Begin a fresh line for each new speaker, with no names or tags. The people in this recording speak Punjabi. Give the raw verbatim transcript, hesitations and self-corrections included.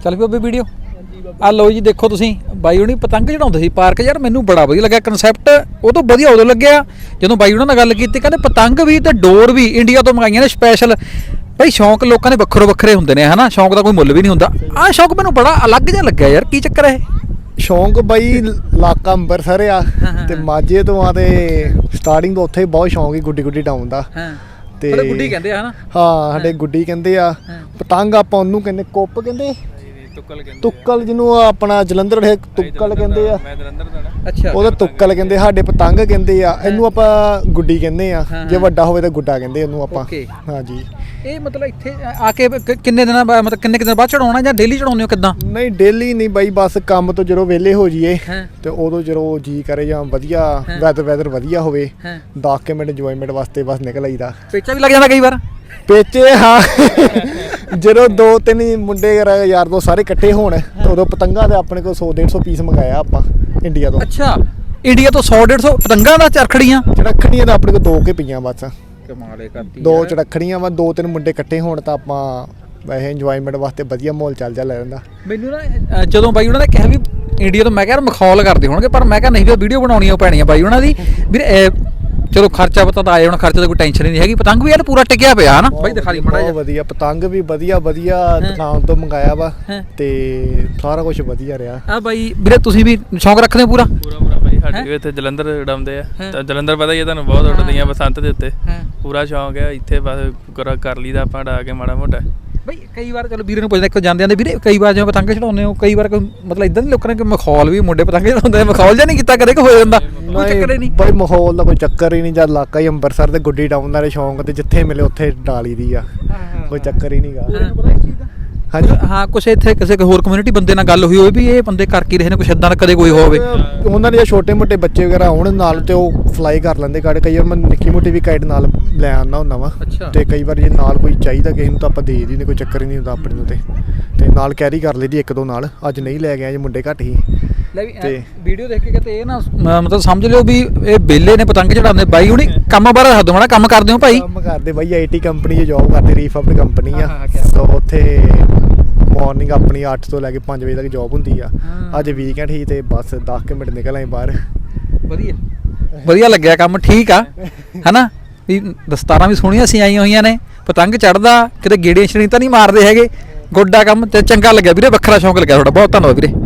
ਚੱਲ ਪਈ ਬਾਬੇ ਵੀਡੀਓ। ਆ ਲਓ ਜੀ, ਦੇਖੋ ਤੁਸੀਂ ਬਾਈ ਹੁਣੀ ਪਤੰਗ ਚੜਾਉਂਦੇ ਸੀ ਪਾਰਕ। ਯਾਰ ਮੈਨੂੰ ਬੜਾ ਵਧੀਆ ਲੱਗਿਆ ਕਨਸੈਪਟ। ਉਹ ਤੋਂ ਵਧੀਆ ਉਦੋਂ ਲੱਗਿਆ ਜਦੋਂ ਬਾਈ ਉਹਨਾਂ ਨਾਲ ਗੱਲ ਕੀਤੀ, ਕਹਿੰਦੇ ਪਤੰਗ ਵੀ ਤੇ ਡੋਰ ਵੀ ਇੰਡੀਆ ਤੋਂ ਮੰਗਾਈਆਂ ਨੇ ਸਪੈਸ਼ਲ। ਬਾਈ ਸ਼ੌਂਕ ਲੋਕਾਂ ਦੇ ਵੱਖਰੋ ਵੱਖਰੇ ਹੁੰਦੇ ਨੇ ਹਨਾ, ਸ਼ੌਂਕ ਦਾ ਕੋਈ ਮੁੱਲ ਵੀ ਨਹੀਂ ਹੁੰਦਾ। ਆਹ ਸ਼ੌਂਕ ਮੈਨੂੰ ਬੜਾ ਅਲੱਗ ਜਿਹਾ ਲੱਗਿਆ ਯਾਰ, ਕੀ ਚੱਕਰ ਹੈ?
ਸ਼ੌਂਕ ਬਾਈ ਇਲਾਕਾ ਅੰਬਰਸਰ ਆ ਤੇ ਮਾਝੇ ਤੋਂ ਆ ਤੇ ਸਟਾਰਟਿੰਗ ਤੋਂ ਉੱਥੇ ਹੀ ਬਹੁਤ ਸ਼ੌਂਕ ਹੀ ਗੁੱਡੀ ਗੁੱਡੀ ਡਾਊਨ ਦਾ।
ਤੇ ਗੁੱਡੀ ਕਹਿੰਦੇ ਆ ਹਨਾ? ਹਾਂ,
ਸਾਡੇ ਗੁੱਡੀ ਕਹਿੰਦੇ ਆ। ਪਤੰਗ ਆਪਾਂ ਉਹਨੂੰ ਕਹਿੰਦੇ ਕੁੱਪ ਕਹਿੰਦੇ, ਤੁੱਕਲ ਜਿਹਨੂੰ ਆਪਣਾ ਜਲੰਧਰ ਹੈ ਤੁੱਕਲ ਕਹਿੰਦੇ ਆ।
ਅੱਛਾ,
ਉਹਦਾ ਤੁੱਕਲ ਕਹਿੰਦੇ, ਸਾਡੇ ਪਤੰਗ ਕਹਿੰਦੇ ਆ। ਇਹਨੂੰ ਆਪਾਂ ਗੁੱਡੀ ਕਹਿੰਦੇ ਆ, ਜੇ ਵੱਡਾ ਹੋਵੇ ਤਾਂ ਗੁੱਡਾ ਕਹਿੰਦੇ ਉਹਨੂੰ ਆਪਾਂ। ਹਾਂਜੀ।
ਇਹ ਮਤਲਬ ਇੱਥੇ ਆ ਕੇ ਕਿੰਨੇ ਦਿਨਾਂ ਬਾਅਦ, ਮਤਲਬ ਕਿੰਨੇ ਦਿਨ ਬਾਅਦ ਚੜਾਉਣਾ ਜਾਂ ਡੇਲੀ ਚੜਾਉਂਦੇ ਹੋ ਕਿੱਦਾਂ?
ਨਹੀਂ ਡੇਲੀ ਨਹੀਂ ਬਾਈ, ਬਸ ਕੰਮ ਤੋਂ ਜਦੋਂ ਵਿਹਲੇ ਹੋ ਜਾਈਏ ਤੇ ਉਦੋਂ ਜਦੋਂ ਜੀ ਕਰੇ ਜਾਂ ਵਧੀਆ ਵੈਦਰ ਵੈਦਰ ਵਧੀਆ ਹੋਵੇ ਦਸ ਕੇ ਮਿੰਟ ਇੰਜੋਇਮੈਂਟ ਵਾਸਤੇ ਬਸ ਨਿਕਲ ਆਈਦਾ।
ਪੇਚਾ ਵੀ ਲੱਗ ਜਾਂਦਾ ਕਈ ਵਾਰ?
ਪੇਚੇ ਹਾਂ, ਜਦੋਂ ਦੋ ਤਿੰਨ ਮੁੰਡੇ ਯਾਰ ਦੋ ਸਾਰੇ ਇਕੱਠੇ ਹੋਣ ਤਾਂ ਉਦੋਂ ਪਤੰਗਾਂ ਦੇ ਆਪਣੇ ਕੋਲ ਸੌ ਡੇਢ ਸੌ ਪੀਸ ਮੰਗਾਇਆ ਆਪਾਂ ਇੰਡੀਆ ਤੋਂ।
ਅੱਛਾ, ਇੰਡੀਆ ਤੋਂ ਸੌ ਡੇਢ ਸੌ ਪਤੰਗਾਂ ਦਾ ਚਰਖੜੀਆਂ
ਚੜੱਖੜੀਆਂ ਦਾ ਆਪਣੇ ਕੋਲ ਦੋ ਕੇ ਪਈਆਂ ਬਸ।
ਕਮਾਲੇ ਕਰਦੀ। ਦੋ
ਚੜੱਖੜੀਆਂ ਵਾ, ਦੋ ਤਿੰਨ ਮੁੰਡੇ ਇਕੱਠੇ ਹੋਣ ਤਾਂ ਆਪਾਂ ਵੈਸੇ ਇੰਜੋਇਮੈਂਟ ਵਾਸਤੇ ਵਧੀਆ ਮਾਹੌਲ ਚੱਲ ਜਾ ਲੈ ਜਾਂਦਾ।
ਮੈਨੂੰ ਨਾ ਜਦੋਂ ਬਾਈ ਉਹਨਾਂ ਨੇ ਕਿਹਾ ਵੀ ਇੰਡੀਆ ਤੋਂ, ਮੈਂ ਕਿਹਾ ਮਖੌਲ ਕਰਦੇ ਹੋਣਗੇ, ਪਰ ਮੈਂ ਕਿਹਾ ਨਹੀਂ ਵੀ ਵੀਡੀਓ ਬਣਾਉਣੀ ਉਹ ਪੈਣੀ ਆ ਬਾਈ ਉਹਨਾਂ ਦੀ ਵੀਰੇ। ਚਲੋ ਖਰਚਾ ਪਤਾ ਤਾਂ ਆਏ ਹੁਣ, ਖਰਚੇ ਦਾ ਕੋਈ ਟੈਨਸ਼ਨ ਨਹੀਂ ਹੈਗੀ। ਪਤੰਗ ਵੀ ਯਾਰ ਪੂਰਾ ਟਿਕਿਆ ਪਿਆ ਹਨਾ ਬਾਈ, ਦਿਖਾ ਲਈ ਮਾੜਾ ਜਿਹਾ।
ਵਧੀਆ ਪਤੰਗ ਵੀ ਵਧੀਆ ਵਧੀਆ ਦੁਕਾਨ ਤੋਂ ਮੰਗਾਇਆ ਵਾ ਤੇ ਸਾਰਾ ਕੁਝ ਵਧੀਆ ਰਿਹਾ।
ਆ ਬਾਈ ਵੀਰੇ ਤੁਸੀਂ ਵੀ ਸ਼ੌਂਕ ਰੱਖਦੇ ਹੋ ਪੂਰਾ?
ਪੂਰਾ ਪੂਰਾ ਬਾਈ, ਸਾਡੇ ਵੀ ਇੱਥੇ ਜਲੰਧਰ ਉਡਾਉਂਦੇ ਆ ਤਾਂ ਜਲੰਧਰ ਪਤਾ ਹੀ ਹੈ ਤੁਹਾਨੂੰ, ਬਹੁਤ ਉੱਡਦੀਆਂ ਬਸੰਤ ਦੇ ਉੱਤੇ। ਪੂਰਾ ਸ਼ੌਂਕ ਹੈ ਇੱਥੇ, ਬਸ ਕਰ ਲਈਦਾ ਆਪਾਂ ਉਡਾ ਕੇ ਮਾੜਾ ਮੋਟਾ।
ਬਈ ਕਈ ਵਾਰ ਚਲੋ ਵੀਰੇ ਨੂੰ ਪੁੱਛਦੇ ਇੱਕ ਜਾਂਦੇ ਆਂਦੇ ਵੀਰੇ, ਕਈ ਵਾਰ ਜਿਵੇਂ ਪਤੰਗ ਚੜਾਉਂਦੇ ਹੋ ਕਈ ਵਾਰ ਕੋਈ ਮਤਲਬ ਇਦਾਂ ਦੇ ਲੋਕਾਂ ਨੇ ਕਿ ਮਖੌਲ ਵੀ ਮੁੰਡੇ ਪਤੰਗ ਚੜਾਉਂਦੇ, ਮਖੌਲ ਜਿਹਾ ਨਹੀਂ ਕੀਤਾ ਕਦੇ ਕਿ ਹੋ ਜਾਂਦਾ? ਕੋਈ ਚੱਕਰ ਹੀ ਨਹੀਂ
ਬਾਈ, ਮਾਹੌਲ ਦਾ ਕੋਈ ਚੱਕਰ ਹੀ ਨਹੀਂ। ਜਦ ਇਲਾਕਾ ਹੀ ਅੰਮ੍ਰਿਤਸਰ ਤੇ ਗੁੱਡੀ ਡਾਊਨ ਦਾ ਸ਼ੌਂਕ ਤੇ ਜਿੱਥੇ ਮਿਲੇ ਉੱਥੇ ਡਾਲੀ ਦੀ ਆ, ਕੋਈ ਚੱਕਰ ਹੀ ਨਹੀਂਗਾ। ਹਾਂਜੀ
ਹਾਂ, ਕੁਛ ਇੱਥੇ ਕਿਸੇ ਹੋਰ ਕਮਿਊਨਿਟੀ ਬੰਦੇ ਨਾਲ ਗੱਲ ਹੋਈ ਹੋਵੇ ਵੀ ਇਹ ਬੰਦੇ ਕਰ ਕੀ ਰਹੇ ਨੇ, ਕੁਛ ਇਦਾਂ ਦਾ ਕਦੇ ਕੋਈ ਹੋਵੇ?
ਉਹਨਾਂ ਦੇ ਛੋਟੇ ਮੋਟੇ ਬੱਚੇ ਵਗੈਰਾ ਆਉਣ ਨਾਲ ਤੇ ਉਹ ਫਲਾਈ ਕਰ ਲੈਂਦੇ ਕਾਰਡ। ਕਈ ਵਾਰ ਮੈਂ ਨਿੱਕੀ ਮੋਟੀ ਵੀ ਕਾਈਡ ਨਾਲ ਲੈ ਆਉਂਦਾ ਹੁੰਦਾ ਵਾ ਤੇ ਕਈ ਵਾਰ ਜੇ ਨਾਲ ਕੋਈ ਚਾਹੀਦਾ ਕਿਸੇ ਨੂੰ ਤਾਂ ਆਪਾਂ ਦੇ ਦਿੰਦੇ, ਕੋਈ ਚੱਕਰ ਹੀ ਨਹੀਂ ਹੁੰਦਾ ਆਪਣੇ ਨੂੰ। ਤੇ ਤੇ ਨਾਲ ਕੈਰੀ ਕਰ ਲਈਦੀ ਇੱਕ ਦੋ ਨਾਲ। ਅੱਜ ਨਹੀਂ ਲੈ ਗਿਆ ਜੇ ਮੁੰਡੇ ਘੱਟ ਹੀ।
ਤੇ ਵੀਡੀਓ ਦੇਖ ਕੇ ਕਿਤੇ ਇਹ ਨਾ ਮਤਲਬ ਸਮਝ ਲਿਓ ਵੀ ਇਹ ਬੇਲੇ ਨੇ ਪਤੰਗ ਚੜਾਉਂਦੇ। ਬਾਈ ਹੁਣੀ ਕੰਮ ਬਾਰੇ ਦੱਸ ਦਿਓ ਮਾੜਾ, ਕੰਮ ਕਰਦੇ ਹੋ ਭਾਈ?
ਕੰਮ ਕਰਦੇ ਬਾਈ, ਆਈ ਟੀ ਕੰਪਨੀ 'ਚ ਜੋਬ ਕਰਦੇ, ਰੀਫਰਬਡ ਕੰਪਨੀ ਆ। ਸੋ ਉੱਥੇ ਮਾਰਨਿੰਗ ਆਪਣੀ ਅੱਠ ਤੋਂ ਲੈ ਕੇ ਪੰਜ ਵਜੇ ਤੱਕ ਜੋਬ ਹੁੰਦੀ ਆ। ਅੱਜ ਵੀਕਐਂਡ ਹੀ ਤੇ ਬਸ ਦਸ ਕੁ ਮਿੰਟ ਨਿਕਲ ਆਏ ਬਾਹਰ।
ਵਧੀਆ ਵਧੀਆ ਲੱਗਿਆ ਕੰਮ, ਠੀਕ ਆ ਹਨਾ ਵੀ ਦਸਤਾਰਾਂ ਵੀ ਸੋਹਣੀਆਂ ਸੀ ਆਈਆਂ ਹੋਈਆਂ ਨੇ, ਪਤੰਗ ਚੜਦਾ, ਕਿਤੇ ਗੇੜੀਆਂ ਛੜੀਆਂ ਤਾਂ ਨਹੀਂ ਮਾਰਦੇ ਹੈਗੇ। ਗੋਡਾ ਕੰਮ ਤੇ ਚੰਗਾ ਲੱਗਿਆ ਵੀਰੇ, ਵੱਖਰਾ ਸ਼ੌਂਕ ਲੱਗਿਆ ਤੁਹਾਡਾ। ਬਹੁਤ ਧੰਨਵਾਦ ਵੀਰੇ।